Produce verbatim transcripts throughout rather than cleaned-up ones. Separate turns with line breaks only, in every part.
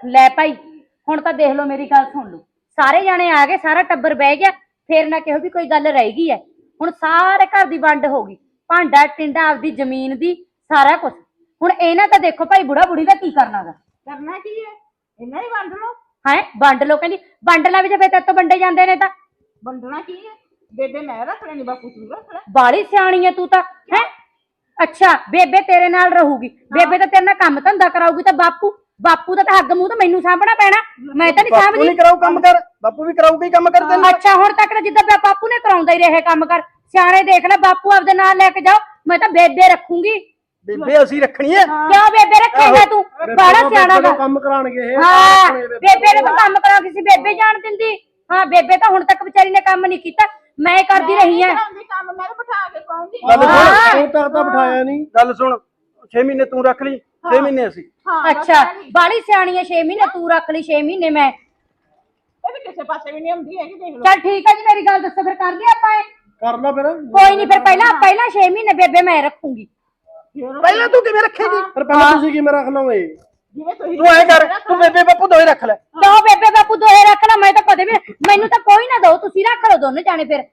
ਲੈ ਭਾई ਹੁਣ ਤਾਂ ਦੇਖ ਲਓ ਮੇਰੀ ਗੱਲ ਸੁਣ ਲਓ ਸਾਰੇ ਜਾਣੇ ਆ ਗਏ ਸਾਰਾ ਟੱਬਰ ਬਹਿ ਗਿਆ ਫੇਰ ਨਾ ਕਿਹੋ ਵੀ ਕੋਈ ਗੱਲ ਰਹਿ ਗਈ ਹੈ ਹੁਣ ਸਾਰੇ ਘਰ ਦੀ ਵੰਡ ਹੋ ਗਈ ਭਾਂਡਾ ਟਿੰਡਾ ਆਪਦੀ ਜ਼ਮੀਨ ਦੀ ਸਾਰਾ ਕੁਝ ਹੁਣ ਇਹਨਾਂ ਤਾਂ ਦੇਖੋ ਭਾਈ ਬੁੜਾ ਬੁੜੀ ਦਾ ਕੀ ਕਰਨਾ ਗਾ
ਕਰਨਾ ਕੀ ਹੈ ਇਹਨਾਂ ਹੀ ਵੰਡ ਲਓ
ਹੈ ਵੰਡ ਲੋ ਕਹਿੰਦੀ ਵੰਡ ਲਾ ਵੀ ਜੇ ਫੇਰ ਤੇਰੇ ਤੋਂ ਵੰਡੇ ਜਾਂਦੇ ਨੇ ਤਾਂ
ਵੰਡਣਾ ਕੀ ਹੈ ਬੇਬੇ ਮੈਂ ਰੱਖ ਲੈਣੀ ਬਾਪੂ ਤੂੰ ਰੱਖ ਲੈ
ਬਾਲੀ ਸਿਆਣੀ ਹੈ ਤੂੰ ਤਾਂ ਹੈ ਅੱਛਾ ਬੇਬੇ ਤੇਰੇ ਨਾਲ ਰਹੂਗੀ ਬੇਬੇ ਤਾਂ ਤੇਰੇ ਨਾਲ ਕੰਮ ਧੰਦਾ ਕਰਾਊਗੀ ਤਾਂ ਬਾਪੂ ਬਾਪੂ ਦਾ ਤਾਂ ਹੱਗ ਮੂੰਹ ਤਾਂ ਮੈਨੂੰ ਸਾਂਭਣਾ ਪੈਣਾ ਮੈਂ ਤਾਂ ਨਹੀਂ
ਬਾਪੂ
ਸਾਂਭਦੀ
ਨਹੀਂ ਕਰਾਉ ਕੰਮ ਕਰ ਬਾਪੂ ਵੀ ਕਰਾਊਗਾ ਹੀ ਕੰਮ ਕਰ ਤੈਨੂੰ
ਅੱਛਾ ਹੁਣ ਤੱਕ ਤਾਂ ਜਿੱਦਾਂ ਬਾਪੂ ਨੇ ਕਰਾਉਂਦਾ ਹੀ ਰਹੇ ਕੰਮ ਕਰ ਸਿਆਣੇ ਦੇਖ ਲੈ ਬਾਪੂ ਆਪਦੇ ਨਾਲ ਲੈ ਕੇ ਜਾਓ ਮੈਂ ਤਾਂ ਬੇਬੇ ਰੱਖੂੰਗੀ
ਬੇਬੇ ਅਸੀਂ ਰੱਖਣੀ ਹੈ
ਕਿਉਂ ਬੇਬੇ ਰੱਖੇਗਾ ਤੂੰ ਬੜਾ ਸਿਆਣਾ ਗਾ
ਕੰਮ ਕਰਾਣਗੇ ਇਹ
ਹਾਂ ਬੇਬੇ ਨੇ ਤਾਂ ਕੰਮ ਕਰਾ ਕਿਸੇ ਬੇਬੇ ਜਾਣ ਦਿੰਦੀ ਹਾਂ ਬੇਬੇ ਤਾਂ ਹੁਣ ਤੱਕ ਵਿਚਾਰੀ ਨੇ ਕੰਮ ਨਹੀਂ ਕੀਤਾ ਮੈਂ ਕਰਦੀ ਰਹੀ ਹਾਂ
ਕੰਮ ਮੈਂ ਬਿਠਾ ਕੇ ਕਹੂੰਗੀ
ਗੱਲ ਸੁਣ ਤੂੰ ਤਾਂ ਤਾਂ ਬਿਠਾਇਆ ਨਹੀਂ ਗੱਲ ਸੁਣ ਛੇ ਮਹੀਨੇ ਤੂੰ ਰੱਖ ਲਈ ਛੇ ਮਹੀਨੇ ਅਸੀਂ
ਅੱਛਾ ਬਾਲੀ ਸਿਆਣੀ ਹੈ ਛੇ ਮਹੀਨੇ ਤੂੰ ਰੱਖ ਲਈ ਛੇ ਮਹੀਨੇ ਮੈਂ
ਇਹ ਵੀ ਕਿਸੇ ਪਾਸੇ ਵੀ ਨਹੀਂ ਹੁੰਦੀ ਹੈਗੀ ਦੇਖ ਲਓ
ਚੱਲ ਠੀਕ ਹੈ ਜੀ ਮੇਰੀ ਗੱਲ ਦੱਸੋ ਫਿਰ ਕਰ ਲਈ ਆਪਾਂ ਇਹ
ਕਰ ਲਾ ਫਿਰ
ਕੋਈ ਨਹੀਂ ਫਿਰ ਪਹਿਲਾਂ ਪਹਿਲਾਂ ਛੇ ਮਹੀਨੇ ਬੇਬੇ ਮੈਂ ਰੱਖੂੰਗੀ
ਪਹਿਲਾਂ ਤੂੰ ਕਿਵੇਂ ਰੱਖੇਗੀ ਫਿਰ ਪਹਿਲਾਂ ਤੁਸੀਂ ਕਿਵੇਂ ਰੱਖ ਲਓਗੇ
ਜਿਵੇਂ ਤੁਸੀਂ
ਤੂੰ ਐ ਕਰ ਤੂੰ ਬੇਬੇ ਬਾਪੂ ਦੋਏ ਰੱਖ ਲੈ
ਦੋ ਬੇਬੇ ਬਾਪੂ ਦੋਏ ਰੱਖ ਲਾ ਮੈਂ ਤਾਂ ਕਦੇ ਵੀ ਮੈਨੂੰ ਤਾਂ ਕੋਈ ਨਾ ਦੋ ਤੁਸੀਂ ਰੱਖ ਲਓ ਦੋਨੇ ਜਾਣੇ ਫਿਰ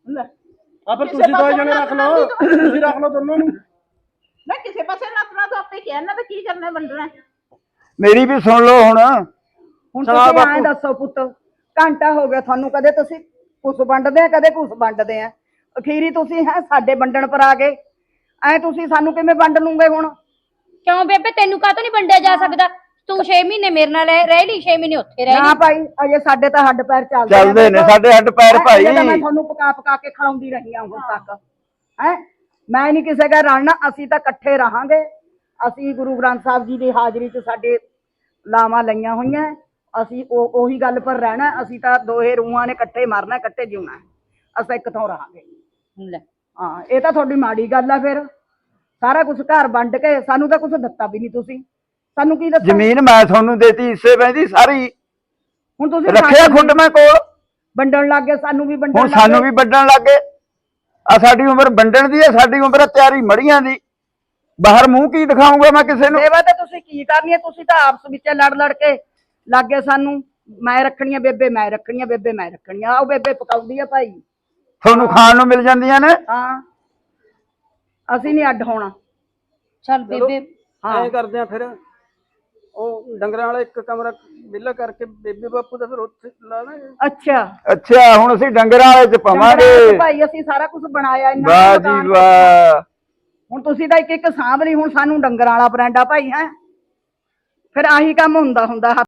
ਆ ਫਿਰ ਤੁਸੀਂ ਦੋਏ ਜਣੇ ਰੱਖ ਲਓ ਤੁਸੀਂ ਰੱਖ ਲਓ ਦੋਨੋਂ ਨੂੰ
ਮੈਂ ਕਿਸੇ ਪਾਸੇ ਨੱਪਣਾ ਤਾਂ ਆਪੇ ਕਹਿਣਾ ਤਾਂ ਕੀ ਕਰਨਾ ਵੰਡਣਾ
ਮੇਰੀ ਵੀ ਸੁਣ ਲਓ ਹੁਣ
ਹੁਣ ਤੁਸੀਂ ਐਂ ਦੱਸੋ ਪੁੱਤ ਘੰਟਾ ਹੋ ਗਿਆ ਤੁਹਾਨੂੰ ਕਦੇ ਤੁਸੀਂ ਕੁਛ ਵੰਡਦੇ ਆ ਕਦੇ ਕੁਛ ਵੰਡਦੇ ਆ ਅਖੀਰੀ ਤੁਸੀਂ ਹੈ ਸਾਡੇ ਵੰਡਣ ਪਰ ਆ ਗਏ ਐ ਤੁਸੀਂ ਸਾਨੂੰ ਕਿਵੇਂ ਵੰਡ ਲੂਗੇ ਹੁਣ
ਕਿਉਂ ਬੇਬੇ ਤੈਨੂੰ ਕਾਹਤੋਂ ਨਹੀਂ ਵੰਡਿਆ ਜਾ ਸਕਦਾ ਤੂੰ ਛੇ ਮਹੀਨੇ ਮੇਰੇ ਨਾਲ ਰਹਿ ਲਈ ਛੇ ਮਹੀਨੇ ਉੱਥੇ ਰਹਿ
ਨਾ
ਲਈ
ਭਾਈ ਅਜੇ ਸਾਡੇ ਤਾਂ ਹੱਡ ਪੈਰ ਚੱਲਦੇ ਆ
ਚੱਲਦੇ ਨੇ ਸਾਡੇ ਹੱਡ ਪੈਰ ਭਾਈ
ਮੈਂ ਤੁਹਾਨੂੰ ਪਕਾ ਪਕਾ ਕੇ ਖਿਲਾਉਂਦੀ ਰਹੀ ਆ ਹੁਣ ਤੱਕ ਹੈ ਮੈਂ ਨਹੀਂ ਕਿਸੇ ਦਾ ਰਲਣਾ ਅਸੀਂ ਤਾਂ ਇਕੱਠੇ ਰਹਾਂਗੇ ਅਸੀਂ ਗੁਰੂ ਗ੍ਰੰਥ ਸਾਹਿਬ ਜੀ ਦੀ ਹਾਜ਼ਰੀ 'ਚ ਸਾਡੇ ਲਾਵਾਂ ਲਈਆਂ ਹੋਈਆਂ ਅਸੀਂ ਉਹ ਉਹੀ ਗੱਲ ਪਰ ਰਹਿਣਾ ਅਸੀਂ ਤਾਂ ਦੋਹੇ ਰੂਹਾਂ ਨੇ ਇਕੱਠੇ ਮਰਨਾ ਇਕੱਠੇ ਜਿਉਣਾ ਅਸੀਂ ਇੱਕ ਥਾਂ ਰਹਾਂਗੇ
ਲੈ
ਹਾਂ ਇਹ ਤਾਂ ਤੁਹਾਡੀ ਮਾੜੀ ਗੱਲ ਆ ਫਿਰ ਸਾਰਾ ਕੁਝ ਘਰ ਵੰਡ ਕੇ ਸਾਨੂੰ ਤਾਂ ਕੁਝ ਦਿੱਤਾ ਵੀ ਨਹੀਂ ਤੁਸੀਂ ਸਾਨੂੰ ਕੀ ਦੱਸੋ
ਜ਼ਮੀਨ ਮੈਂ ਤੁਹਾਨੂੰ ਦੇਤੀ ਹਿੱਸੇ ਪੈਂਦੀ ਸਾਰੀ
ਹੁਣ ਤੁਸੀਂ
ਰੱਖਿਆ ਖੁੱਡ ਮੈਂ ਕੋਲ
ਵੰਡਣ ਲੱਗ ਗਏ ਸਾਨੂੰ ਵੀ ਵੰਡਣ
ਹੁਣ ਸਾਨੂੰ ਵੀ ਵੱਢਣ ਲੱਗ ਗਏ ਆ ਸਾਡੀ ਉਮਰ ਵੰਡਣ ਦੀ ਹੈ ਸਾਡੀ ਉਮਰ ਹੈ ਤਿਆਰੀ ਮੜੀਆਂ ਦੀ ਬਾਹਰ ਮੂੰਹ ਕੀ ਦਿਖਾਉਂਗਾ ਮੈਂ ਕਿਸੇ ਨੂੰ
ਸੇਵਾ ਤਾਂ ਤੁਸੀਂ ਕੀ ਕਰਨੀ ਹੈ ਤੁਸੀਂ ਤਾਂ ਆਪਸ ਵਿੱਚ ਲੜ ਲੜ ਕੇ ਲੱਗੇ ਸਾਨੂੰ ਮੈਂ ਰੱਖਣੀਆਂ ਬੇਬੇ ਮੈਂ ਰੱਖਣੀਆਂ ਬੇਬੇ ਮੈਂ ਰੱਖਣੀਆਂ ਆਓ ਬੇਬੇ ਪਕਾਉਂਦੀ ਆ ਭਾਈ
ਤੁਹਾਨੂੰ ਖਾਣ ਨੂੰ ਮਿਲ ਜਾਂਦੀਆਂ ਨੇ
ਹਾਂ ਅਸੀਂ ਨਹੀਂ ਅੱਡ ਹੋਣਾ
ਚੱਲ ਬੇਬੇ
ਐ ਕਰਦੇ ਆ ਫਿਰ ਉਹ ਡੰਗਰਾਂ ਵਾਲਾ ਇੱਕ ਕਮਰਾ ਵਿਹਲਾ ਕਰਕੇ ਬੇਬੇ ਬਾਪੂ ਦਾ ਫਿਰ ਉੱਥੇ ਲਾ ਦਾਂਗੇ
ਅੱਛਾ
ਅੱਛਾ ਹੁਣ ਅਸੀਂ ਡੰਗਰਾਂ ਵਾਲੇ ਚ ਪਾਵਾਂਗੇ
ਭਾਈ ਅਸੀਂ ਸਾਰਾ ਕੁਝ ਬਣਾਇਆ ਇਹਨਾਂ
ਵਾਹ ਜੀ ਵਾਹ
ਹੁਣ ਤੁਸੀਂ ਤਾਂ ਇੱਕ ਇੱਕ ਸਾਂਭ ਲਈ ਹੁਣ ਸਾਨੂੰ ਡੰਗਰਾਂ ਵਾਲਾ ਬਰਾਂਡਾ ਭਾਈ ਹੈ ਫਿਰ ਆਹੀ ਕੰਮ ਹੁੰਦਾ ਹੁੰਦਾ